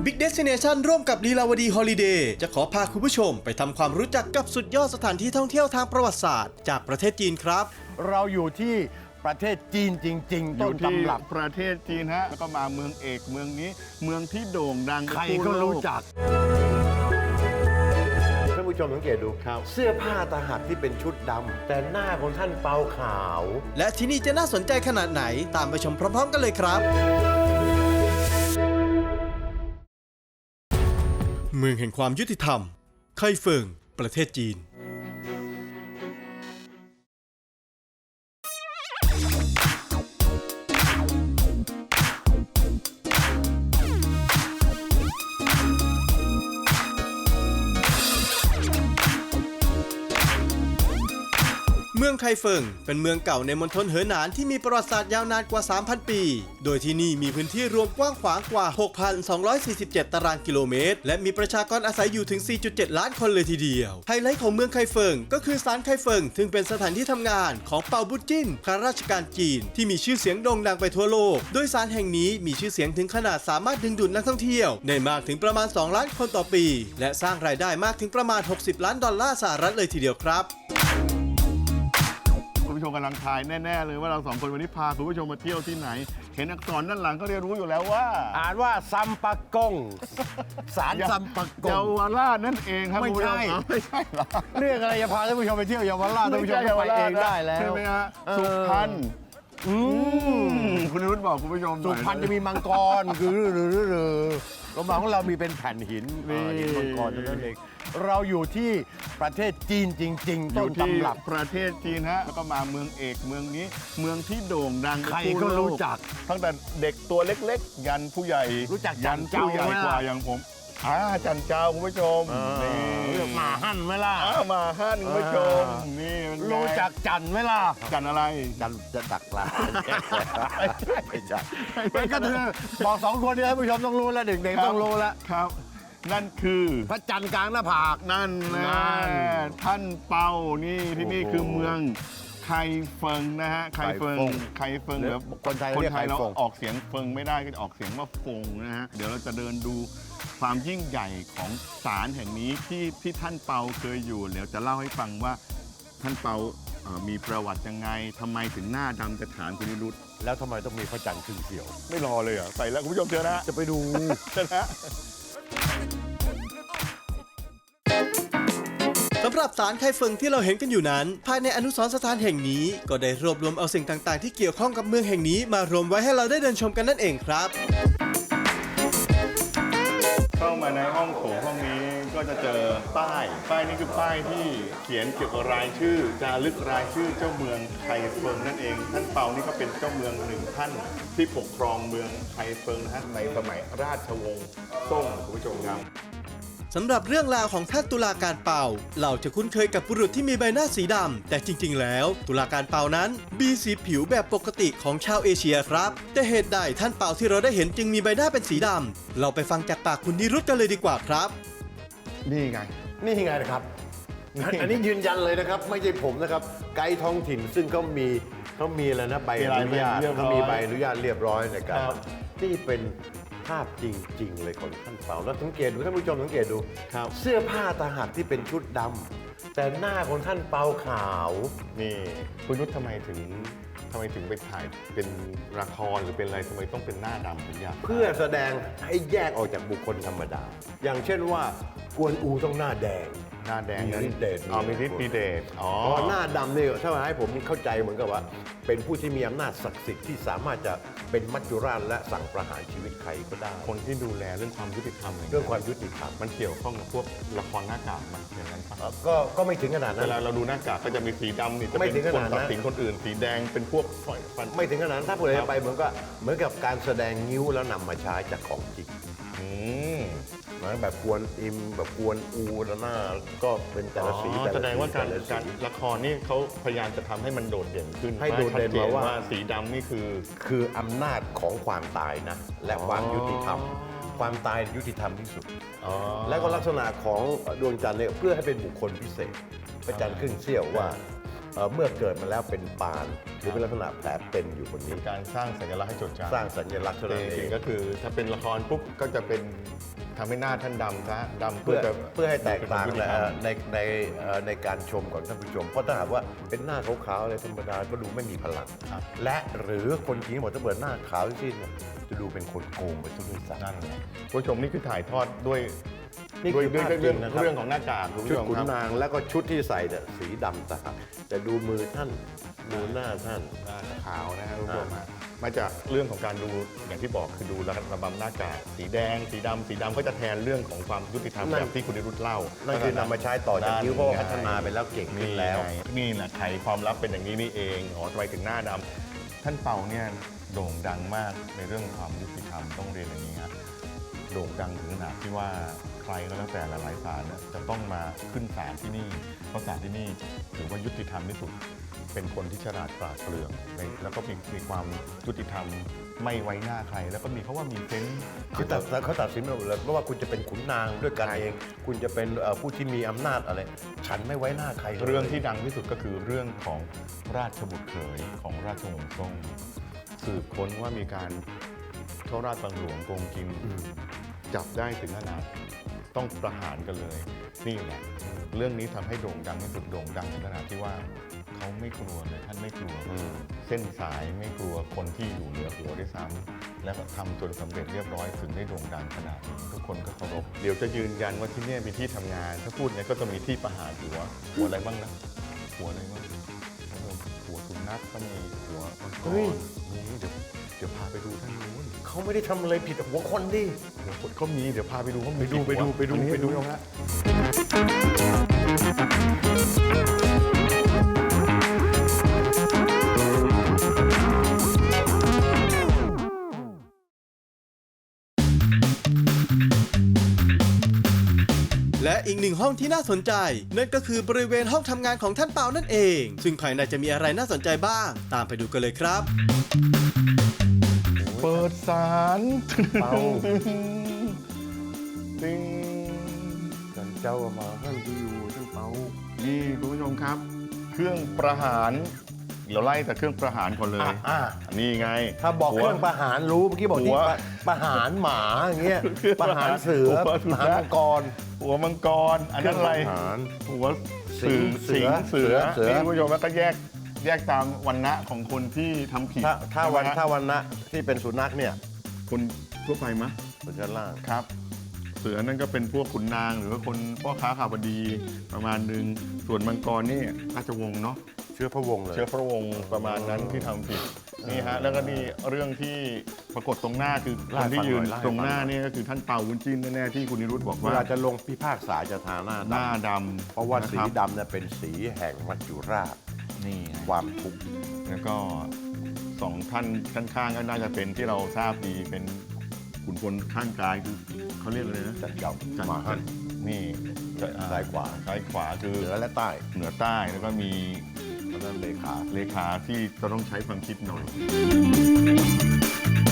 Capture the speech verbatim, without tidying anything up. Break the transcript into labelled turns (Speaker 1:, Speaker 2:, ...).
Speaker 1: Big Destination ร่วมกับลีลาวดีฮอลิเดย์จะขอพาคุณผู้ชมไปทำความรู้จักกับสุดยอดสถานที่ท่องเที่ยวทางประวัติศาสตร์จากประเทศจีนครับ
Speaker 2: เราอยู่ที่ประเทศจีนจริงๆต้นตำรับ
Speaker 3: ประเทศจีนฮะแล้วก็มาเมืองเอกเมืองนี้เมืองที่โด่งดัง
Speaker 2: ใครก็รู้จักท่านผู้ชมสังเกตดูครับเสื้อผ้าตาหักที่เป็นชุดดำแต่หน้าของท่านเปาขาว
Speaker 1: และที่นี่จะน่าสนใจขนาดไหนตามไปชมพร้อมๆกันเลยครับเมืองแห่งความยุติธรรมไคเฟิงประเทศจีนเมืองไคเฟิงเป็นเมืองเก่าในมณฑลเหอหนานที่มีประวัติศาสตร์ยาวนานกว่า สามพัน ปี โดยที่นี่มีพื้นที่รวมกว้างขวางกว่า หกพันสองร้อยสี่สิบเจ็ด ตารางกิโลเมตรและมีประชากรอาศัยอยู่ถึง สี่จุดเจ็ด ล้านคนเลยทีเดียวไฮไลท์ของเมืองไคเฟิงก็คือศาลไคเฟิงซึ่งเป็นสถานที่ทำงานของเปาบุจิ้นข้าราชการจีนที่มีชื่อเสียงโด่งดังไปทั่วโลกโดยศาลแห่งนี้มีชื่อเสียงถึงขนาดสามารถดึงดูดนักท่องเที่ยวได้มากถึงประมาณ สอง ล้านคนต่อปีและสร้างรายได้มากถึงประมาณ หกสิบ ล้านดอลลาร์สหรัฐเลยทีเดียวครับ
Speaker 3: คุณผู้ชมกำลังทายแน่ๆเลยว่าเราสองคนวันนี้พาคุณผู้ชมมาเที่ยวที่ไหนเห็นอักษรด้านหลังก็เรียนรู้อยู่แล้วว่า
Speaker 2: อ่านว่าซัมปะกงศาลซัมปะกง
Speaker 3: เยาวราชนั่นเองครับ
Speaker 2: ไม่ใช่
Speaker 3: ไม่ใช่หรอ
Speaker 2: เรื่องอะไรจะพาท่านผู้ชมไปเที่ยวเยาวราชท่านผู้ชมไปเองได้แล้ว
Speaker 3: ใช่ไหมฮะสุพรรณคุณรุ่นบอกคุณผู้ชม
Speaker 2: สุพรรณจะมีมังกรคือหรือหรือโรงพยาบาลของเรามีเป็นแผ่นหินหินมังกรนั่นเองเราอยู่ที่ประเทศจีนจริงๆต้นตำรับ
Speaker 3: ประเทศจีนฮะแล้วก็มาเมืองเอกเมืองนี้เมืองที่โด่งดัง
Speaker 2: ใครก็รู้จัก
Speaker 3: ตั้งแต่เด็กตัวเล็กๆยันผู้ใหญ่
Speaker 2: รู้จัก
Speaker 3: ยันผู้ใหญ่กว่าอย่างผมอ่าจันเจ้าคุณผู้ชม
Speaker 2: นี่มาหั่นไหมล่ะ
Speaker 3: มาหั่นคุณผู้ชมนี่
Speaker 2: รู้จักจันไหมล่ะ
Speaker 3: จันอะไร
Speaker 2: จันจะดักปลาไม่ใช่เป็นก็คือบอกสองคนนี้ท่านผู้ชมต้องรู้แล้วเด็กๆต้องรู้แล้ว
Speaker 3: ครับนั่นคือ
Speaker 2: พระจันทร์กลางหน้าผาก
Speaker 3: นั่นนะท่านเปานี่ที่นี่คือเมืองไคเฟิงนะฮะไคเฟิงไคเฟิงเดี๋ยว
Speaker 2: คนไทย
Speaker 3: คนไทยเราออกเสียงเฟิงไม่ได้ก็จะออกเสียงว่าฟงนะฮะเดี๋ยวเราจะเดินดูความยิ่งใหญ่ของศาลแห่งนี้ที่ที่ท่านเปาเคยอยู่เดี๋ยวจะเล่าให้ฟังว่าท่านเปามีประวัติยังไงทำไมถึงหน้าดำกระถางคุณนิรุต
Speaker 2: แล้วทำไมต้องมีพระจันทร์ครึ่งเสียว
Speaker 3: ไม่รอเลยเหรอไปแล้วคุณผู้ชมเจอนะ
Speaker 2: จะไปดู
Speaker 3: เจอนะ
Speaker 1: สำหรับศาลไคเฟิงที่เราเห็นกันอยู่นั้นภายในอนุสรณ์สถานแห่งนี้ก็ได้รวบรวมเอาสิ่งต่างๆที่เกี่ยวข้องกับเมืองแห่งนี้มารวมไว้ให้เราได้เดินชมกันนั่นเองครับ
Speaker 3: เข้ามาในห้องโถงห้องนี้ก็จะเจอป้ายป้ายนี้คือป้ายที่เขียนเกี่ยวกับรายชื่อจารึกรายชื่อเจ้าเมืองไคเฟิงนั่นเองท่านเปานี่ก็เป็นเจ้าเมืองหนึ่งท่านที่ปกครองเมืองไคเฟิงนะฮะในสมัยราชวงศ์ซ่งคุณผู้ชมครับ
Speaker 1: สำหรับเรื่องราวของท่านตุลาการเปาเราจะคุ้นเคยกับบุรุษที่มีใบหน้าสีดำแต่จริงๆแล้วตุลาการเปานั้นมีสีผิวแบบปกติของชาวเอเชียครับแต่เหตุใดท่านเปาที่เราได้เห็นจึงมีใบหน้าเป็นสีดำเราไปฟังจากปากคุณนิรุตกันเลยดีกว่าครับ
Speaker 3: นี่ไง
Speaker 2: นี่ไงนะครับอันนี้ยืนยันเลยนะครับไม่ใช่ผมนะครับไกด์ท้องถิ่นซึ่งเขามีเขามีอะไรนะใบอนุญาตเขามีใบอนุญาตเรียบร้อยในการที่เป็นภาพจริงๆเลยของท่านเปาแล้วสังเกตดูท่านผู้ชมสังเกตดูเสื้อผ้าตาหักที่เป็นชุดดำแต่หน้าของท่านเปาขาว
Speaker 3: นี่คุณนุชทำไมถึงทำไมถึงไปถ่ายเป็นละครหรือเป็นอะไรทำไมต้องเป็นหน้าดำถึงอยาก
Speaker 2: เพื่อแสดงให้แยกออกจากบุคคลธรรมดาอย่างเช่นว่ากวนอูต้องหน้าแดง
Speaker 3: หน้าแดง
Speaker 2: นั้นเดช
Speaker 3: อ๋อมีฤทธิ์มีเดชอ๋อ
Speaker 2: หน้าดำเนี่ยถ้ามาให้ผมเข้าใจเหมือนกับว่าเป็นผู้ที่มีอำนาจศักดิ์สิทธิ์ที่สามารถจะเป็นมัจจุราชและสั่งประหารชีวิตใครก็ได้
Speaker 3: คนที่ดูแลเรื่องความยุติธรรม
Speaker 2: เรื่องความยุติธรรม
Speaker 3: มันเกี่ยวข้องกับพวกละครหน้ากากมันอย่างนั้นปะ
Speaker 2: ก็ก็ไม่ถึงขนาดนั้น
Speaker 3: เวลาเราดูหน้ากากก็จะมีสีดำนี่จะเป็นคนตัดสินคนอื่นสีแดงเป็นพวกปล่อยฟัน
Speaker 2: ไม่ถึงขนาดนั้นถ้าเปิดไปเหมือนก็เหมือนกับการแสดงนิ้วแล้วนำมาใช้จากของจริงเหมือนแบบกวนอิมแบบกวนอูแล้วหน้าก็เป็นแต่ละสีแต่ละสี
Speaker 3: แสดงว่าการการละครนี่เขาพยายามจะทำให้มันโดดเด่นขึ้น
Speaker 2: ให้โดดเด่นมาว่า
Speaker 3: สีดำนี่คือ
Speaker 2: คืออำนาจของความตายนะและความยุติธรรมความตายยุติธรรมที่สุดและก็ลักษณะของดวงจันทร์เนี่ยเพื่อให้เป็นบุคคลพิเศษพระจันทร์ครึ่งเสี้ยวว่าเอ่อเมื่อเกิดมาแล้วเป็นปานหรือเป็นลักษณะแผลเป็นอยู่บนนี้
Speaker 3: การสร้างสัญลักษณ์ให้จดจำ
Speaker 2: สร้างสัญลักษณ์เท่า
Speaker 3: แต่
Speaker 2: นั้น
Speaker 3: จ
Speaker 2: เอ
Speaker 3: ริ
Speaker 2: ง
Speaker 3: งๆก็คือถ้าเป็นละครปุ๊บก็จะเป็นทำให้หน้าท่านดำซะดำ
Speaker 2: เพื่
Speaker 3: เพื่
Speaker 2: อ
Speaker 3: อจะ
Speaker 2: เพื่อให้แตกต่าง
Speaker 3: เป็นคนยุติ
Speaker 2: และ
Speaker 3: ธรรม
Speaker 2: ในในเอ่อในการชมของท่านผู้ชม เพราะถ้าหากว่าเป็นหน้าขาวๆอะไรธรรมดาก็ดูไม่มีพลัง
Speaker 3: ครับ
Speaker 2: และหรือคนจีนบอกถ้าเปิดหน้าขาวที่เนี่ยจะดูเป็นคนโกงไปซะด้วยซ้ำ
Speaker 3: นั่นไงคุณผู้ชมนี่คือถ่ายทอดด้วย
Speaker 2: นี่
Speaker 3: ด้วย
Speaker 2: คือ
Speaker 3: ด้วย
Speaker 2: ภาพ
Speaker 3: เรื่อง
Speaker 2: จริงนะครับ
Speaker 3: เรื่องของหน้ากากคุณ
Speaker 2: ชุด
Speaker 3: ผู้ชม
Speaker 2: ขุน
Speaker 3: ครับ
Speaker 2: นางแล้วก็ชุดที่ใส่เนี่ยสีดำต่างแต่ดูมือท่านดูหน้าท่าน
Speaker 3: หน้าขาวนะครับคุณผู้ชมฮะมาจากเรื่องของการดูอย่างที่บอกคือดูระบำหน้ากากสีแดง สีดำสีดำก็จะแทนเรื่องของความยุติธรรม
Speaker 2: นั่น
Speaker 3: แบบที่คุณนิรุตเล่า
Speaker 2: นั่
Speaker 3: นั่
Speaker 2: นคือนำมาใช้ต่อจากนิ้วเพราะว่าพัฒนาไปแล้วเก่งขึ้นแล้ว
Speaker 3: นี่แหละไขความลับเป็นอย่างนี้นี่เองอ๋อทำไมถึงหน้าดำท่านเปาเนี่ยโด่งดังมากในเรื่องความยุติธรรมต้องเรียนอย่างนี้ฮะโด่งดังถึงขนาดที่ว่าใครก็แล้วแต่หลายๆศาลเนี่ยจะต้องมาขึ้นศาลที่นี่เพราะศาลที่นี่ถือว่ายุติธรรมที่สุด เป็นคนที่ฉลาดปราดเปรื่องในแล้วก็มีมีความยุติธรรมไม่ไว้หน้าใคร แล้วก็มีเขาว่ามีเซนส์
Speaker 2: คือตัดเขาตัดสินมาหมดเลยไม่ว่าคุณจะเป็นขุนนางด้วยกันเอง คุณจะเป็นเอ่อผู้ที่มีอำนาจอะไร ฉันไม่ไว้หน้าใครลย
Speaker 3: เรื่องที่ดังที่สุดก็คือเรื่องของราชบุตรเขยของราชวงศ์ซ่งสืบค้นว่ามีการเข้าราชบังหลวงโกงกิน
Speaker 2: อืม
Speaker 3: จับได้ถึงขนาดต้องประหารกันเลย นี่แหละ เรื่องนี้ทำให้โด่งดังที่สุดโด่งดังถึงขนาดที่ว่าเขาไม่กลัวเลยท่านไม่กลัว
Speaker 2: อืม
Speaker 3: เส้นสายไม่กลัวคนที่อยู่เหนือหัวด้วยซ้ำและก็ทำจนสำเร็จเรียบร้อยถึงได้โด่งดังขนาดนี้ทุกคนก็เคารพเดี๋ยวจะยืนยันว่าที่เนี่ยมีที่ทำงาน ถ้าพูดเนี่ยก็จะมีที่ประหารหัวหัวอะไรบ้างนะหัวอะไรบ้างหัวสุนัขก็มีหัวมังกรนี่เดี๋ยวเดี๋ยวพาไปดูท่านนู้น
Speaker 2: เขาไม่ได้ทำอะไรผิดหัวคนดิ
Speaker 3: หัวคนก็มีเดี๋ยวพาไปดูเขามี
Speaker 2: ไปดูไปดูไปดู
Speaker 3: อันนี้
Speaker 2: ไปดู
Speaker 3: ลงละ
Speaker 1: และอีกหนึ่งห้องที่น่าสนใจ นั่นก็คือบริเวณห้องทำงานของท่านเปานั่นเอง ซึ่งภายในจะมีอะไรน่าสนใจบ้าง ตามไปดูกันเลยครับ
Speaker 3: เปิดสาร
Speaker 2: เปา
Speaker 3: ติง
Speaker 2: ท่านเจ้ามาท่านที่อยู่ท่านเปา
Speaker 3: นี่คุณผู้ชมครับ เครื่องประหารเดี๋ยวไล่แต่เครื่องประหารคนเลย
Speaker 2: อ่ะ
Speaker 3: นี่ไง
Speaker 2: ถ้าบอก
Speaker 3: หัว
Speaker 2: เครื่องประหารรู้เมื่อกี้บอกที่
Speaker 3: หัว
Speaker 2: ประประหารหมาอย่างเงี้ยประหารเสือ
Speaker 3: หัวสุ
Speaker 2: ป
Speaker 3: นัข
Speaker 2: ระหารมังกร
Speaker 3: หัวมังกรอันนั้นอะไร
Speaker 2: เครื่องประหาร
Speaker 3: หัว
Speaker 2: สิ
Speaker 3: สิ
Speaker 2: ง
Speaker 3: ง
Speaker 2: เสื
Speaker 3: เสื
Speaker 2: อ
Speaker 3: อ
Speaker 2: เสือ
Speaker 3: นี่คุณผู้ชมแล้วก็แยกแยกตามวันณะของคนที่ทำผิด
Speaker 2: ถ้าถ้าวัน
Speaker 3: ใช่ไหมฮะ
Speaker 2: ถ้าวันนะที่เป็นสุนัขเนี่ย
Speaker 3: คนทั่วไปมะ
Speaker 2: บนชั้นล่าง
Speaker 3: ครับ เสือนั่นก็เป็นพวกขุนนางหรือว่าคนพ่อค้าข่าวบดีประมาณหนึ่งส่วนมังกรนี่ราชวงศ์เนาะ
Speaker 2: เชื้อพระวงศ์เลย
Speaker 3: เชื้อพระวงศ์ประมาณนั้นที่ทำผิดนี่ฮะแล้วก็นี่เรื่องที่ปรากฏตรงหน้าคือค
Speaker 2: เล่าน ให้
Speaker 3: ที่
Speaker 2: ฟัง
Speaker 3: ยืน
Speaker 2: หน่อยเล่าให้
Speaker 3: ตรงหน้า
Speaker 2: ฟังหน่อย
Speaker 3: นี่ก็คือท่านเปาวุ้นจิ้นแน่ๆที่คุณนิรุตบอก
Speaker 2: เว
Speaker 3: ว่า
Speaker 2: ลาจะลงพิพากษาจะทาหน้า
Speaker 3: หน้า
Speaker 2: ดำ
Speaker 3: ดำ
Speaker 2: เพราะว่าสี
Speaker 3: นคบ
Speaker 2: ดำเนี่ยเป็นสีแห่งมัจจุราช
Speaker 3: นี่ไง
Speaker 2: ความทุกข์
Speaker 3: แล้วก็สองท่านข้างๆก็น่าจะเป็นที่เราทราบดีเป็นขุนพลข้างกายคือเขาเรียกอะไรนะ
Speaker 2: จัดเก่า
Speaker 3: จัน
Speaker 2: มาหัน
Speaker 3: นี่
Speaker 2: ซ้ายขวา
Speaker 3: ซ้ายขวาคือ
Speaker 2: เหนือและใต้
Speaker 3: เหนือใต้แล้วก็มี
Speaker 2: แล้วนั่นเลขา
Speaker 3: เลขาที่จะต้องใช้ความคิดหน่อย